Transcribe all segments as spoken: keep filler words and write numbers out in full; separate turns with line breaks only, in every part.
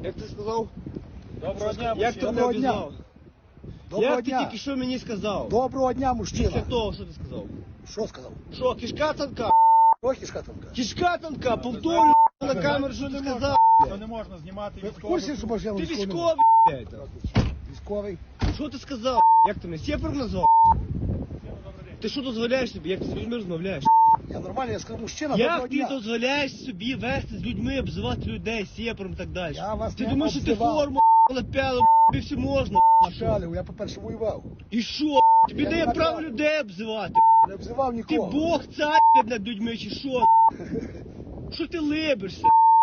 Як ти сказав?
Доброго дня,
Як ти
мужчина.
мене обізвав?
Доброго
Як ти
дня.
тільки що мені сказав?
Доброго дня,
Після
мужчина.
того, що ти сказав?
Що сказав?
Що, кишка тонка?
Ох, кішка тонка.
Кишка тонка, повторюю на камеру, що ти сказав.
Що не можна знімати
Ви в
військових.
курсі, що машина
Ти
військовий?
військовий, блядь.
Військовий.
Що ти сказав? Як ти мене сєпаром назвав? Ти що дозволяєш собі? Як ти з людьми розмовляєш?
Я нормально, я сказав, мужчина, доброго
Як ти
дня.
дозволяєш собі вести з людьми, обзивати людей сєпаром і так далі?
Я вас
Ти
не
думаєш, що ти
обзивав.
форму напяли, тобі все можна?
Шалів, я, по-перше, воював.
І що? Тобі
Я
дає
не
право
напяв.
людей обзивати?
Не обзивав
Ти
нікого.
Бог цар над людьми чи що? Що ти либишся?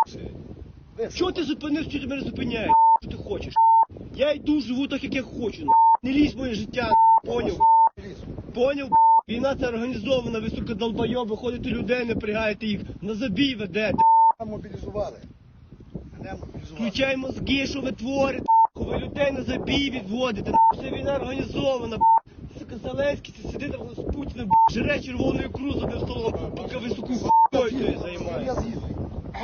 Ви
Чого ти зупинився, що ти мене зупиняєш? Що ти хочеш? Я йду, живу так, як я хочу. Не лізь в моє життя, поняв?
ліс.
Поняв? Війна це організована, ви, сука, долбойоби, ходите людей, напрягаєте їх, на забій ведете.
Мене мобілізували. Мене мобілізували.
Включай мозги, що ви творите, ви людей на забій відводите. Це війна організована. Сука, Зеленський це сидить там з Путіним, жре червоною крузу одним столом, поки ви, сука, хуйньою тою
Я
займаєтесь.
з'їздив.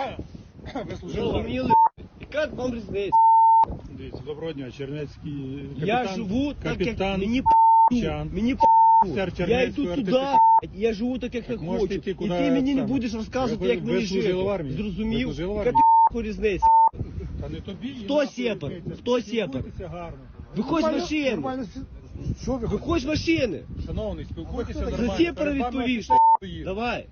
Ви служили?
Зрозуміли? Яка вам різниця?
Дивіться, доброго дня, Чернецький капітан.
Я живу так, як
капітан
мені
Чан.
п***, мені п***.
Офіцер
Я
Чернецького
йду туди,
РТЦК.
блядь, я живу так, як я
Так можете
хочу.
йти,
І
куди
ти мені не
саме.
будеш розказувати,
Ви-
як
ви
мені
служили
жити.
в армії?
Зрозумів?
Ви служили в
Яка
армії?
ти різниця?
Та не тобі.
Хто
і
сєпар?
нахуй
Хто
йдете.
сєпар?
Спілкуйтеся гарно.
Виходь з
Нормально-
машини.
нормально сі- Що ви хочете?
Виходь з машини.
Шановний, спілкуйтеся
За
нормально.
сєпара
Перед вами
відповіш.
офіцер стоїть.
Давай.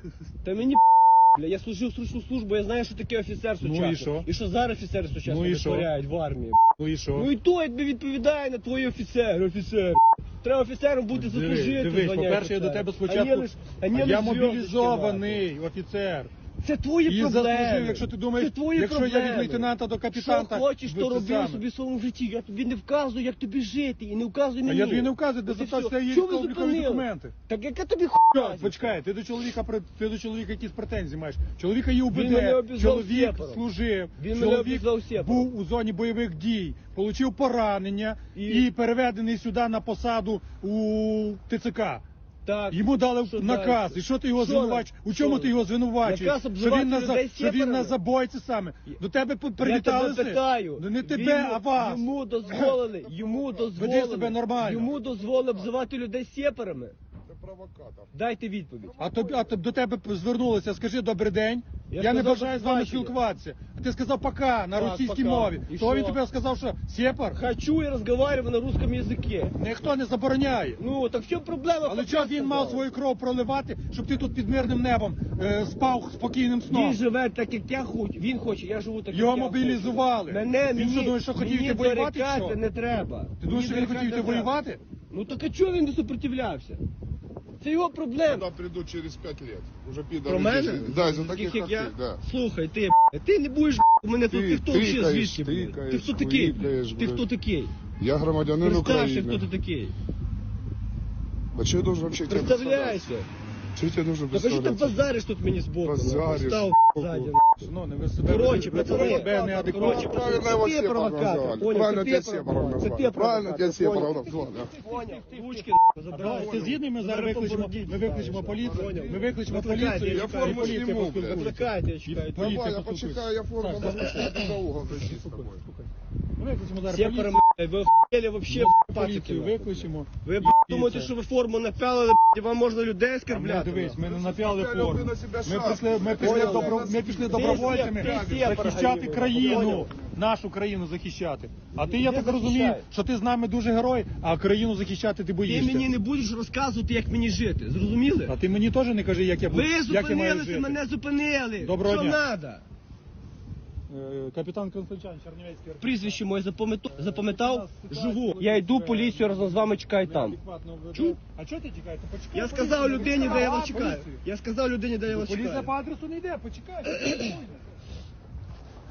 Та мені бля, я служив срочну службу, я знаю, що таке офіцер
Ну і
сучасний.
що?
І що зараз офіцери сучасно
Ну і що?
витворяють в армії.
Ну і що?
Ну і то я тобі відповідає на твої офіцери, офіцер. Треба офіцером бути
Дивись,
заслужити.
Дивись,
звання
по-перше, я до
офіцера.
тебе
А не
спочатку.
лиш- а не
А я
лиш зв'язочки
мобілізований офіцер.
мати. Це твої
І
проблеми.
заслужив, якщо ти думаєш,
Це твої
якщо
проблеми.
я від лейтенанта до капітана,
Що хочеш,
ви
то
це
роби
саме.
собі в своєму житті. Я тобі не вказую, як тобі жити, і не вказуй
А
мені.
я тобі не вказую, де
Ось і
записати
все.
є
Чого ви
військово-облікові
зупинили?
документи.
Так яка тобі
Що?
хуйня?
Почекай, ти до чоловіка при- ти до чоловіка якісь претензії маєш. Чоловіка є
Він мене
УБД,
обізвав
чоловік
сєпаром.
служив,
Він мене
чоловік
обізвав сєпаром.
був у зоні бойових дій, отримав поранення
І?
і, переведений сюди на посаду у ТЦК.
Так.
Йому дали
Що
наказ.
далі?
І що ти його
Що
звинувачуєш?
на-
У чому
що?
ти його звинувачуєш?
Наказ
Що
обзивати
він на за-
людей
що він
сєпарами?
на забойці саме. До тебе
Я
привіталися?
тебе питаю.
Ну не тебе,
Він-
а вас.
Йому дозволили, йому дозволили.
себе нормально.
Йому дозволили обзивати людей сєпарами.
Це провокатор.
Дайте відповідь.
А тобі, а тоб- до тебе звернулися, скажи добрий день.
Я
Я, не
сказав,
бажаю
до
з вами
побачення.
спілкуватися. А ти сказав пока на
Так,
російській
пока.
мові.
І
То він
що?
тебе сказав, що сєпар?
Хочу і розмовляю на русском язикі.
Ніхто не забороняє.
Ну, так в чому проблема?
Але
Пока
чого він мав
сказав.
свою кров проливати, щоб ти тут під мирним небом е, спав спокійним сном?
Він живе так, як я хочу. Він хоче, я живу так,
Його
як я
мобілізували.
хочу. Мене,
Він
мені,
що, думаєш, що хотів
мені
йти воювати, чи
зарікати
що?
не треба.
Ти думаєш, що він
Мені
хотів йти
зарікати не треба.
воювати?
Ну так а чого він не супротивлявся? Це його проблема.
Туда придут через пять лет. Уже пидоры.
Про мене?
здесь. Да, из-за таких,
як
как
я?
ты, да.
Слухай, ти, б***ь, ти не будеш б***ь, у мене тут,
Ти
ти хто взагалі,
тикаєш,
звідки, блядь?
тикаєш,
Ти хто такий?
хуїкаєш,
Ти
блядь.
хто такий?
Я громадянин
Представся,
Украины.
хто ти такий.
А что я должен вообще тебе
Представляйся.
Что я тебе должен
Так а що ти
представляться?
базариш тут мені збоку?
Базариш,
Став
збоку.
ззаді.
Шановний, ви себе
Короче,
ви
пацани,
себе неадекватно.
короче,
Правильно его
Ты
Сепаром
провокатор,
назвали.
понял,
Правильно
ты
тебя
ты
Сепаром
провокатор,
назвали.
ты
Правильно тебя
провокатор,
Сепаром
понял.
назвали.
Понял, ручки
А
забирай.
ти згідний, ми зараз викличемо, ми викличемо поліцію, ми викличемо поліцію,
Я
і
форму
поліція
зніму,
поспілкується.
Викликайте, я чекаю.
Поліція
Давай, я
поспілкується.
почекаю, я форму
Так,
возьму, чтобы за угол дойти с тобой.
Ми викличемо зараз
Все
поліцію,
пора, ви охуєли вообще,
поліцію
пацики.
викличемо.
Ви б**,
І
думаєте,
це.
що ви форму напялили, б**, вам можна людей
А ми,
оскорбляти?
дивись, ми не напяли
Напяли
форму.
ви на себе
Ми
шапку.
пішли, ми пішли,
Понял?
добро, ми пішли добровольцями
Ти сєпар,
захищати
Галіна,
країну,
понял?
нашу країну захищати. А ти, я
Де
так розумію,
захищаєш?
що ти з нами дуже герой, а країну захищати ти
Ти
боїшся.
мені не будеш розказувати, як мені жити, зрозуміли?
А ти мені теж не кажи, як я буду,
Ви
як я маю
зупинилися,
жити.
мене зупинили.
Доброго
Що
дня.
надо?
Е, Капітан Константин, Чернівецький.
Прізвище моє запам'ятав, запам'ятав, живу. Я йду, поліцію разом з вами чекаю там. Чув?
А чого ти чекаєш? Почекай.
Я
поліцію.
сказав людині, де я вас
А,
чекаю.
поліцію.
Я сказав людині, де я вас
Поліція
чекаю.
по адресу не йде, почекай.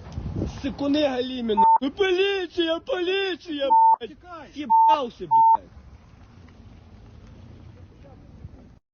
Сикуни Галіміна. Ну поліція, поліція, блядь.
Чекай.
Съебался, блядь.